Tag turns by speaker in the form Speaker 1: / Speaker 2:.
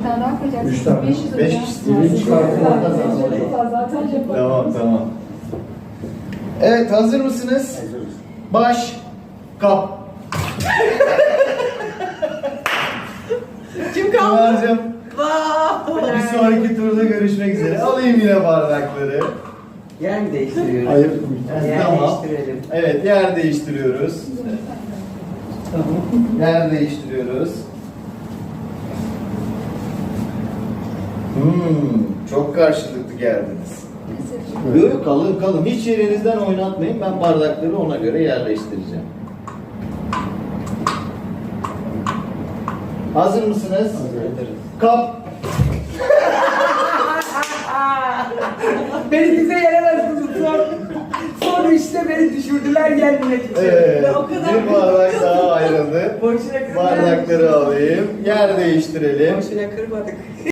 Speaker 1: Bir tane daha koyacaksın.
Speaker 2: 3 tane.
Speaker 1: 500
Speaker 2: 5
Speaker 1: hocam.
Speaker 2: kişi çıkartmakta
Speaker 1: Zaten
Speaker 2: Tamam. Evet, hazır mısınız? Baş, kap.
Speaker 3: Kim kaldı?
Speaker 2: Pınar'cığım,
Speaker 3: Vay!
Speaker 2: bir sonraki turda görüşmek üzere. Alayım yine bardakları.
Speaker 3: Yer mi değiştiriyoruz?
Speaker 2: Hayır.
Speaker 3: Yer
Speaker 2: Tamam.
Speaker 3: değiştirelim.
Speaker 2: Evet, yer değiştiriyoruz. Yer değiştiriyoruz. Çok karşılıklı geldiniz. Yok kalın. Hiç yerinizden oynatmayın. Ben bardakları ona göre yerleştireceğim. Hazır mısınız? Hazırız. Kap.
Speaker 3: Beni bize yenemezsiniz. Sonra işte beni düşürdüler gelmek için.
Speaker 2: Evet.
Speaker 3: Ve o kadar
Speaker 2: Bir bardak daha ayrıldı.
Speaker 3: Boşuna kırmadık.
Speaker 2: Bardakları alayım. Yer değiştirelim.
Speaker 3: Boşuna kırmadık.